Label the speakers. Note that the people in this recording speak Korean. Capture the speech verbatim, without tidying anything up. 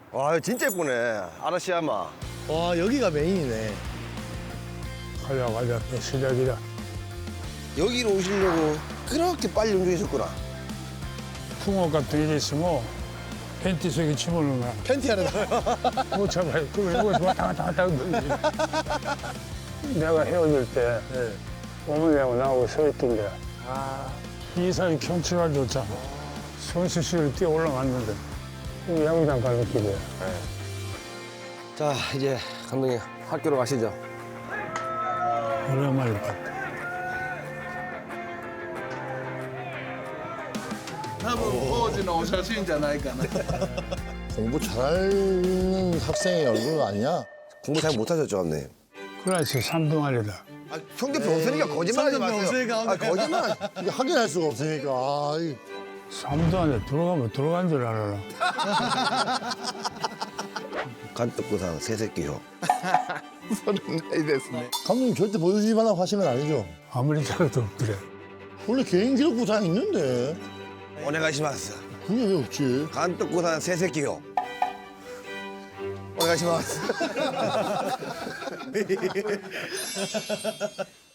Speaker 1: 와 진짜 예쁘네. 아라시야마.
Speaker 2: 와 여기가 메인이네.
Speaker 3: 가자 가자 시작이다.
Speaker 1: 여기로 오시려고 그렇게 빨리 운전하셨구나.
Speaker 3: 풍어 같은 게 있으면 팬티 속에 집어넣는 거야.
Speaker 2: 팬티 하나 나와요.
Speaker 3: 못 잡아요. 그걸 여기서 왔다 갔다 갔다 돌리지. 내가 헤어질 때
Speaker 2: 네.
Speaker 3: 어머니하고 나하고 서 있던 데야. 이 사이 경치가 좋잖아. 손수시를 뛰어 올라갔는데 이 야구장 가는 길이야.
Speaker 1: 자 이제 감독님 학교로 가시죠.
Speaker 3: 오랜만에 봤다.
Speaker 4: 多分当時のお写真じゃないかな。
Speaker 2: 공부 잘하는 학생의 얼굴 아니야?
Speaker 1: 공부 잘 못하셨죠, 감독님?
Speaker 3: 클래스 삼 동아리다.
Speaker 1: 아, 성적표 없으니까 거짓말하지
Speaker 2: 성적표
Speaker 1: 마세요.
Speaker 2: 없으니까
Speaker 1: 아, 거짓말.
Speaker 2: 이게 확인할 수가 없으니까. 아, 이-
Speaker 3: 삼 동아리 들어가면 들어간 줄 알아라.
Speaker 1: 간떡구상 새새끼요.
Speaker 2: 감독님 절대 보여주지 말라고 하신 건 아니죠?
Speaker 3: 아무리 잘해도 없더래.
Speaker 2: 원래 개인 기록 부상 있는데
Speaker 1: 오네가시마스.
Speaker 2: 그게 왜 없지?
Speaker 1: 간떡구상 새새끼요. 오네가시마스.